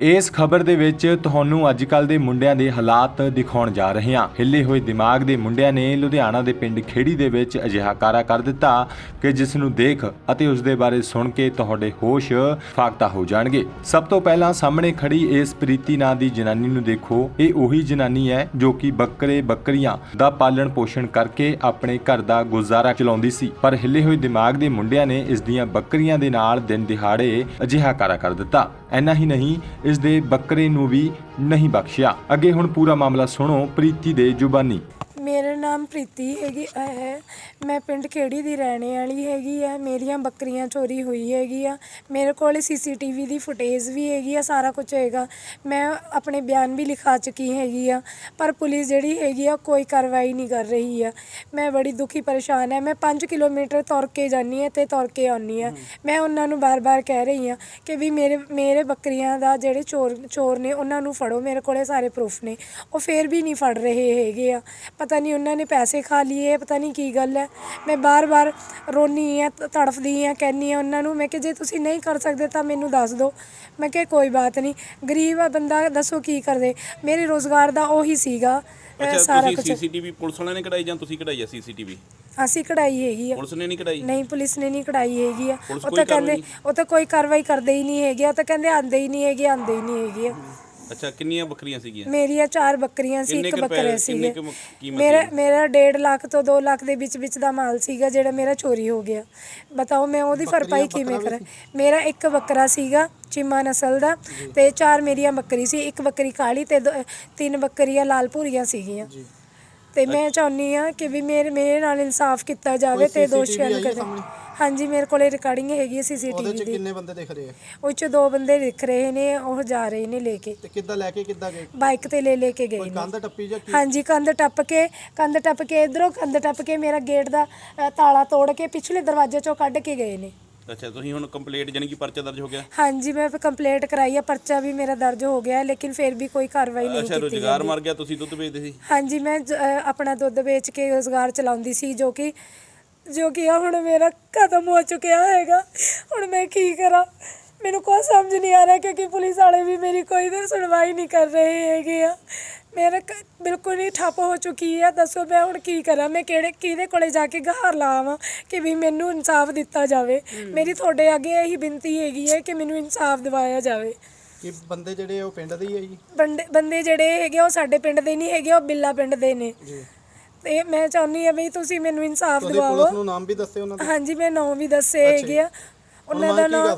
ਇਸ ਖਬਰ ਦੇ ਵਿੱਚ ਤੁਹਾਨੂੰ ਅੱਜਕੱਲ ਦੇ ਮੁੰਡਿਆਂ ਦੇ ਹਾਲਾਤ ਦਿਖਾਉਣ ਜਾ ਰਹੇ ਹਾਂ। ਹਿੱਲੇ ਹੋਏ ਦਿਮਾਗ ਦੇ ਮੁੰਡਿਆਂ ਨੇ ਲੁਧਿਆਣਾ ਦੇ ਪਿੰਡ ਖੇੜੀ ਦੇ ਵਿੱਚ ਅਜਿਹਾ ਕਾਰਾ ਕਰ ਦਿੱਤਾ ਕਿ ਜਿਸ ਨੂੰ ਦੇਖ ਅਤੇ ਉਸ ਦੇ ਬਾਰੇ ਸੁਣ ਕੇ ਤੁਹਾਡੇ ਹੋਸ਼ ਫਾਕਤਾ ਹੋ ਜਾਣਗੇ। ਸਭ ਤੋਂ ਪਹਿਲਾਂ ਸਾਹਮਣੇ ਖੜੀ ਇਸ ਪ੍ਰੀਤੀ ਨਾਂ ਦੀ ਜਨਾਨੀ ਨੂੰ ਦੇਖੋ। ਇਹ ਉਹੀ ਜਨਾਨੀ ਹੈ ਜੋ ਕਿ ਬੱਕਰੀਆਂ ਦਾ ਪਾਲਣ ਪੋਸ਼ਣ ਕਰਕੇ ਆਪਣੇ ਘਰ ਦਾ ਗੁਜ਼ਾਰਾ ਚਲਾਉਂਦੀ ਸੀ, ਪਰ ਹਿੱਲੇ ਹੋਏ ਦਿਮਾਗ ਦੇ ਮੁੰਡਿਆਂ ਨੇ ਇਸ ਦੀਆਂ ਬੱਕਰੀਆਂ ਦੇ ਨਾਲ ਦਿਨ ਦਿਹਾੜੇ ਅਜਿਹਾ ਕਾਰਾ ਕਰ ਦਿੱਤਾ। ਇੰਨਾ ਹੀ ਨਹੀਂ, ਇਸ ਦੇ ਬੱਕਰੇ ਨੂੰ ਵੀ ਨਹੀਂ ਬਖਸ਼ਿਆ। ਅੱਗੇ ਹੁਣ ਪੂਰਾ ਮਾਮਲਾ ਸੁਣੋ ਪ੍ਰੀਤੀ ਦੇ ਜ਼ੁਬਾਨੀ। ਮੇਰਾ ਨਾਮ ਪ੍ਰੀਤੀ ਹੈ। ਮੈਂ ਪਿੰਡ ਖੇੜੀ ਦੀ ਰਹਿਣੇ ਵਾਲੀ ਹੈਗੀ ਆ। ਮੇਰੀਆਂ ਬੱਕਰੀਆਂ ਚੋਰੀ ਹੋਈ ਹੈਗੀ ਆ। ਮੇਰੇ ਕੋਲ CCTV ਦੀ ਫੁਟੇਜ ਵੀ ਹੈਗੀ ਆ, ਸਾਰਾ ਕੁਝ ਹੈਗਾ। ਮੈਂ ਆਪਣੇ ਬਿਆਨ ਵੀ ਲਿਖਾ ਚੁੱਕੀ ਹੈਗੀ ਆ, ਪਰ ਪੁਲਿਸ ਜਿਹੜੀ ਹੈਗੀ ਆ ਕੋਈ ਕਾਰਵਾਈ ਨਹੀਂ ਕਰ ਰਹੀ ਆ। ਮੈਂ ਬੜੀ ਦੁਖੀ ਪਰੇਸ਼ਾਨ ਹੈ। ਮੈਂ 5 ਕਿਲੋਮੀਟਰ ਤੁਰ ਕੇ ਜਾਂਦੀ ਹਾਂ ਅਤੇ ਤੁਰ ਕੇ ਆਉਂਦੀ ਹਾਂ। ਮੈਂ ਉਹਨਾਂ ਨੂੰ ਬਾਰ-ਬਾਰ ਕਹਿ ਰਹੀ ਹਾਂ ਕਿ ਵੀ ਮੇਰੇ ਬੱਕਰੀਆਂ ਦਾ ਜਿਹੜੇ ਚੋਰ ਨੇ ਉਹਨਾਂ ਨੂੰ ਫੜੋ। ਮੇਰੇ ਕੋਲ ਸਾਰੇ ਪ੍ਰੂਫ ਨੇ, ਉਹ ਫਿਰ ਵੀ ਨਹੀਂ ਫੜ ਰਹੇ ਹੈਗੇ ਆ। ਪਤਾ ਨਹੀਂ ਉਹਨਾਂ ਨੇ ਪੈਸੇ ਖਾ ਲਏ, ਪਤਾ ਨਹੀਂ ਕੀ ਗੱਲ ਹੈ। ਮੈਂ ਬਾਰ-ਬਾਰ ਰੋਨੀ ਹਾਂ, ਤੜਫਦੀ ਹਾਂ, ਕਹਿੰਦੀ ਹਾਂ ਉਹਨਾਂ ਨੂੰ। ਮੈਂ ਕਿ ਜੇ ਤੁਸੀਂ ਨਹੀਂ ਕਰ ਸਕਦੇ ਤਾਂ ਮੈਨੂੰ ਦੱਸ ਦਿਓ। ਮੈਂ ਕਿਹਾ ਕੋਈ ਬਾਤ ਨਹੀਂ, ਗਰੀਬ ਆ ਬੰਦਾ, ਦੱਸੋ ਕੀ ਕਰਦੇ। ਮੇਰੇ ਰੋਜ਼ਗਾਰ ਦਾ ਉਹੀ ਸੀਗਾ ਸਾਰਾ ਕੁਝ। CCTV ਪੁਲਿਸ ਵਾਲਿਆਂ ਨੇ ਕਢਾਈ ਜਾਂ ਤੁਸੀਂ ਕਢਾਈ ਆ CCTV? ਅਸੀਂ ਕਢਾਈ ਹੈਗੀ ਆ। ਪੁਲਿਸ ਨੇ ਨਹੀਂ ਕਢਾਈ? ਨਹੀਂ, ਪੁਲਿਸ ਨੇ ਨਹੀਂ ਕਢਾਈ ਹੈਗੀ ਆ। ਉਹ ਤਾਂ ਕਹਿੰਦੇ ਉਹ ਤਾਂ ਕੋਈ ਕਾਰਵਾਈ ਕਰਦੇ ਹੀ ਨਹੀਂ ਹੈਗੇ। ਉਹ ਤਾਂ ਕਹਿੰਦੇ ਆਉਂਦੇ ਹੀ ਨਹੀਂ ਹੈਗੇ, ਆਉਂਦੇ ਹੀ ਨਹੀਂ ਹੈਗੇ ਆ। ਅੱਛਾ, ਕਿੰਨੀਆਂ ਬੱਕਰੀਆਂ ਸੀਗੀਆਂ? ਮੇਰੀਆਂ 4 ਬੱਕਰੀਆਂ ਸੀ, 1 ਬੱਕਰਾ ਸੀਗੇ। ਮੇਰਾ 1.5 ਲੱਖ ਤੋਂ 2 ਲੱਖ ਦੇ ਵਿੱਚ ਦਾ ਮਾਲ ਸੀਗਾ ਜਿਹੜਾ ਮੇਰਾ ਚੋਰੀ ਹੋ ਗਿਆ। ਬਤਾਓ ਮੈਂ ਉਹਦੀ ਭਰਪਾਈ ਕਿਵੇਂ ਕਰਾਂ। ਮੇਰਾ 1 ਬੱਕਰਾ ਸੀਗਾ ਚੀਮਾ ਨਸਲ ਦਾ ਤੇ 4 ਮੇਰੀਆਂ ਬੱਕਰੀ ਸੀ। 1 ਬੱਕਰੀ ਕਾਲੀ ਤੇ 3 ਬੱਕਰੀਆਂ ਲਾਲ ਭੂਰੀਆਂ ਸੀਗੀਆਂ। ਤੇ ਮੈਂ ਚਾਹੁੰਦੀ ਹਾਂ ਕਿ ਵੀ ਮੇਰੇ ਨਾਲ ਇਨਸਾਫ ਕੀਤਾ ਜਾਵੇ ਤੇ ਦੋਸ਼ੀਆਂ ਨੂੰ ਕਦੇ। ਹਾਂਜੀ, ਮੇਰੇ ਕੋਲੇ ਰਿਕਾਰਡਿੰਗ ਹੈਗੀ ਹੈ CCTV ਦੀ। ਕਿੰਨੇ ਬੰਦੇ ਦਿਖ ਰਹੇ ਆ? ਉਹ 'ਚ 2 ਬੰਦੇ ਦਿਖ ਰਹੇ ਨੇ, ਉਹ ਜਾ ਰਹੇ ਨੇ ਲੈ ਕੇ। ਤੇ ਕਿੱਦਾਂ ਲੈ ਕੇ ਕਿੱਦਾਂ ਗਏ? ਬਾਈਕ ਤੇ ਲੈ ਕੇ ਗਏ ਨੇ। ਕੰਧ ਟੱਪੀ ਜਾਂ ਕੀ? ਹਾਂਜੀ, ਕੰਧ ਟੱਪ ਕੇ ਇਧਰੋਂ ਕੰਧ ਟੱਪ ਕੇ ਮੇਰਾ ਗੇਟ ਦਾ ਤਾਲਾ ਤੋੜ ਕੇ ਪਿਛਲੇ ਦਰਵਾਜ਼ੇ ਚੋਂ ਕੱਢ ਕੇ ਗਏ ਨੇ। ਅੱਛਾ, ਤੁਸੀਂ ਹੁਣ ਕੰਪਲੇਂਟ ਜਾਨੀ ਕਿ ਪਰਚਾ ਦਰਜ ਹੋ ਗਿਆ? ਹਾਂਜੀ, ਮੈਂ ਕੰਪਲੇਂਟ ਕਰਾਈ ਆ, ਪਰਚਾ ਵੀ ਮੇਰਾ ਦਰਜ ਹੋ ਗਿਆ, ਲੇਕਿਨ ਫਿਰ ਵੀ ਕੋਈ ਕਾਰਵਾਈ ਨਹੀਂ ਕੀਤੀ। ਅੱਛਾ, ਰੁਜ਼ਗਾਰ ਮਰ ਗਿਆ। ਤੁਸੀਂ ਦੁੱਧ ਵੇਚਦੇ ਸੀ? ਹਾਂਜੀ, ਮੈਂ ਆਪਣਾ ਦੁੱਧ ਵੇਚ ਕੇ ਰੁਜ਼ਗਾਰ ਚਲਾਉਂਦੀ ਸੀ, ਜੋ ਕਿ ਹੁਣ ਮੇਰਾ ਖਤਮ ਹੋ ਚੁੱਕਿਆ ਹੈਗਾ। ਹੁਣ ਮੈਂ ਕੀ ਕਰਾਂ, ਮੈਨੂੰ ਕੋਈ ਸਮਝ ਨਹੀਂ ਆ ਰਿਹਾ, ਕਿਉਂਕਿ ਪੁਲਿਸ ਵਾਲੇ ਵੀ ਮੇਰੀ ਕੋਈ ਸੁਣਵਾਈ ਨਹੀਂ ਕਰ ਰਹੇ ਹੈਗੇ ਆ। ਮੇਰਾ ਬਿਲਕੁਲ ਹੀ ਠੱਪ ਹੋ ਚੁੱਕੀ ਹੈ। ਦੱਸੋ ਮੈਂ ਹੁਣ ਕੀ ਕਰਾਂ। ਮੈਂ ਕਿਹਦੇ ਕੋਲੇ ਜਾ ਕੇ ਗੁਹਾਰ ਲਾਵਾਂ ਕਿ ਵੀ ਮੈਨੂੰ ਇਨਸਾਫ ਦਿੱਤਾ ਜਾਵੇ। ਮੇਰੀ ਤੁਹਾਡੇ ਅੱਗੇ ਇਹੀ ਬੇਨਤੀ ਹੈਗੀ ਹੈ ਕਿ ਮੈਨੂੰ ਇਨਸਾਫ ਦਿਵਾਇਆ ਜਾਵੇ। ਕਿ ਬੰਦੇ ਜਿਹੜੇ ਉਹ ਪਿੰਡ ਦੇ ਹੀ ਹੈ ਜੀ? ਬੰਦੇ ਜਿਹੜੇ ਹੈਗੇ ਉਹ ਸਾਡੇ ਪਿੰਡ ਦੇ ਨਹੀਂ ਹੈਗੇ, ਉਹ ਬਿੱਲਾ ਪਿੰਡ ਦੇ ਨੇ ਜੀ। ਤੇ ਮੈਂ ਚਾਹੁੰਦੀ ਹਾਂ ਵੀ ਤੁਸੀਂ ਮੈਨੂੰ ਇਨਸਾਫ ਦਿਵਾਓ। ਪੁਲਿਸ ਨੂੰ ਨਾਮ ਵੀ ਦੱਸੇ ਉਹਨਾਂ ਦੇ? ਹਾਂਜੀ, ਮੈਂ ਨਾਮ ਵੀ ਦੱਸੇ ਹੈਗੇ ਆ ਉਹਨਾਂ ਦਾ। ਨਾਮ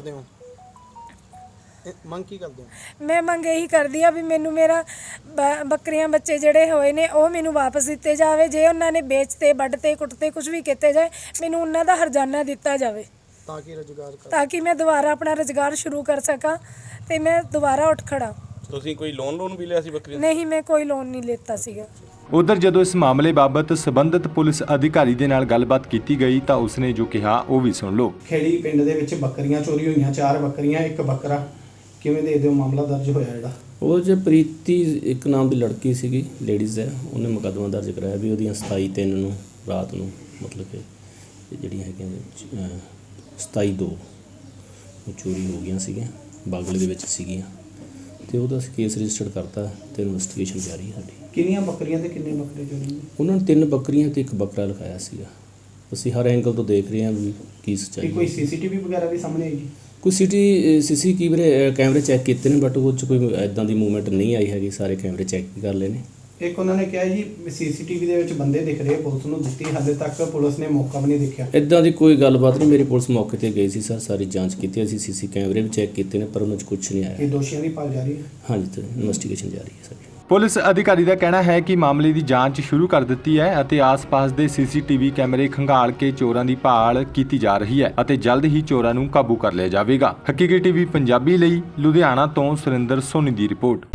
ਮੰਗ ਕੀ ਕਰਦੇ ਹੋ? ਮੈਂ ਮੰਗ ਇਹੀ ਕਰਦੀ ਆ ਵੀ ਮੈਨੂੰ ਮੇਰਾ ਬੱਕਰੀਆਂ ਬੱਚੇ ਜਿਹੜੇ ਹੋਏ ਨੇ ਉਹ ਮੈਨੂੰ ਵਾਪਸ ਦਿੱਤੇ ਜਾਵੇ। ਜੇ ਉਹਨਾਂ ਨੇ ਵੇਚਤੇ, ਵੱਢਤੇ, ਕੁੱਟਤੇ, ਕੁਝ ਵੀ ਕੀਤੇ ਜਾਏ, ਮੈਨੂੰ ਉਹਨਾਂ ਦਾ ਹਰਜਾਨਾ ਦਿੱਤਾ ਜਾਵੇ ਤਾਂ ਕਿ ਮੈਂ ਦੁਬਾਰਾ ਆਪਣਾ ਰੁਜ਼ਗਾਰ ਸ਼ੁਰੂ ਕਰ ਸਕਾਂ ਤੇ ਮੈਂ ਦੁਬਾਰਾ ਉੱਠ ਖੜਾ। ਤੁਸੀਂ ਕੋਈ ਲੋਨ ਵੀ ਲਿਆ ਸੀ ਬੱਕਰੀਆਂ? ਨਹੀਂ, ਮੈਂ ਕੋਈ ਲੋਨ ਨਹੀਂ ਲਿੱਤਾ ਸੀਗਾ। ਉਧਰ ਜਦੋਂ ਇਸ ਮਾਮਲੇ ਬਾਬਤ ਸੰਬੰਧਿਤ ਪੁਲਿਸ ਅਧਿਕਾਰੀ ਦੇ ਨਾਲ ਗੱਲਬਾਤ ਕੀਤੀ ਗਈ ਤਾਂ ਉਸਨੇ ਜੋ ਕਿਹਾ ਉਹ ਵੀ ਸੁਣ ਲਓ। ਖੇੜੀ ਪਿੰਡ ਦੇ ਵਿੱਚ ਬੱਕਰੀਆਂ ਚੋਰੀ ਹੋਈਆਂ, 4 ਬੱਕਰੀਆਂ 1 ਬੱਕਰਾ। ਕਿਵੇਂ ਦੇ ਦਿਓ ਮਾਮਲਾ ਦਰਜ ਹੋਇਆ ਜਿਹੜਾ? ਉਹ ਜੇ ਪ੍ਰੀਤੀ ਇੱਕ ਨਾਮ ਦੀ ਲੜਕੀ ਸੀਗੀ, ਲੇਡੀਜ਼ ਹੈ, ਉਹਨੇ ਮੁਕੱਦਮਾ ਦਰਜ ਕਰਾਇਆ ਵੀ ਉਹਦੀਆਂ 27/3 ਨੂੰ ਰਾਤ ਨੂੰ, ਮਤਲਬ ਕਿ ਜਿਹੜੀਆਂ ਹੈਗੀਆਂ 27/2 ਉਹ ਚੋਰੀ ਹੋ ਗਈਆਂ ਸੀਗੀਆਂ, ਬਾਗਲੇ ਦੇ ਵਿੱਚ ਸੀਗੀਆਂ ਤੇ ਉਹਦਾ ਕੇਸ ਰਜਿਸਟਰ ਕਰਤਾ ਤੇ ਇਨਵੈਸਟੀਗੇਸ਼ਨ ਜਾਰੀ ਹੈ ਸਾਡੀ। ਕਿੰਨੀਆਂ ਬੱਕਰੀਆਂ ਤੇ ਕਿੰਨੇ ਬੱਕਰੇ ਚੋਰੀ ਹੋਏ? ਉਹਨਾਂ ਨੇ 3 ਬੱਕਰੀਆਂ ਤੇ 1 ਬੱਕਰਾ ਲਿਖਾਇਆ ਸੀਗਾ। ਅਸੀਂ ਹਰ ਐਂਗਲ ਤੋਂ ਦੇਖ ਰਹੇ ਹਾਂ ਵੀ ਕੀ ਸੱਚਾਈ। ਕੋਈ CCTV ਵਗੈਰਾ ਵੀ ਸਾਹਮਣੇ ਆਈ ਜੀ? ਕੋਈ CCTV ਕੈਮਰੇ ਚੈੱਕ ਕੀਤੇ ਨੇ, ਬਟ ਉਹ 'ਚ ਕੋਈ ਇੱਦਾਂ ਦੀ ਮੂਵਮੈਂਟ ਨਹੀਂ ਆਈ ਹੈਗੀ। ਸਾਰੇ ਕੈਮਰੇ ਚੈੱਕ ਕਰ ਲਏ ਨੇ। ਇੱਕ ਉਹਨਾਂ ਨੇ ਕਿਹਾ ਜੀ CCTV ਦੇ ਵਿੱਚ ਬੰਦੇ ਦਿਖ ਰਹੇ, ਪੁਲਿਸ ਨੂੰ ਦਿੱਤੀ, ਹਾਲੇ ਤੱਕ ਪੁਲਿਸ ਨੇ ਮੌਕਾ ਵੀ ਨਹੀਂ ਦੇਖਿਆ। ਇੱਦਾਂ ਦੀ ਕੋਈ ਗੱਲਬਾਤ ਨਹੀਂ। ਮੇਰੀ ਪੁਲਿਸ ਮੌਕੇ ਤੇ ਗਈ ਸੀ ਸਰ, ਸਾਰੀ ਜਾਂਚ ਕੀਤੀ, ਅਸੀਂ CC ਕੈਮਰੇ ਵੀ ਚੈੱਕ ਕੀਤੇ ਨੇ, ਪਰ ਉਹਨਾਂ 'ਚ ਕੁਝ ਨਹੀਂ ਆਇਆ। ਇਹ ਦੋਸ਼ੀਆਂ ਦੀ ਭਾਲ ਜਾਰੀ ਹੈ? ਹਾਂਜੀ, ਤੇ ਇਨਵੈਸਟੀਗੇਸ਼ਨ ਜਾਰੀ ਹੈ ਸਾਡੀ। ਪੁਲਿਸ ਅਧਿਕਾਰੀ ਦਾ ਕਹਿਣਾ ਹੈ ਕਿ ਮਾਮਲੇ ਦੀ ਜਾਂਚ ਸ਼ੁਰੂ ਕਰ ਦਿੱਤੀ ਹੈ ਅਤੇ ਆਸ-ਪਾਸ ਦੇ CCTV ਕੈਮਰੇ ਖੰਗਾਲ ਕੇ ਚੋਰਾਂ ਦੀ ਭਾਲ ਕੀਤੀ ਜਾ ਰਹੀ ਹੈ ਅਤੇ ਜਲਦ ਹੀ ਚੋਰਾਂ ਨੂੰ ਕਾਬੂ ਕਰ ਲਿਆ ਜਾਵੇਗਾ। ਹਕੀਕੀ TV ਪੰਜਾਬੀ ਲਈ ਲੁਧਿਆਣਾ ਤੋਂ ਸੁਰਿੰਦਰ ਸੋਨੀ ਦੀ ਰਿਪੋਰਟ।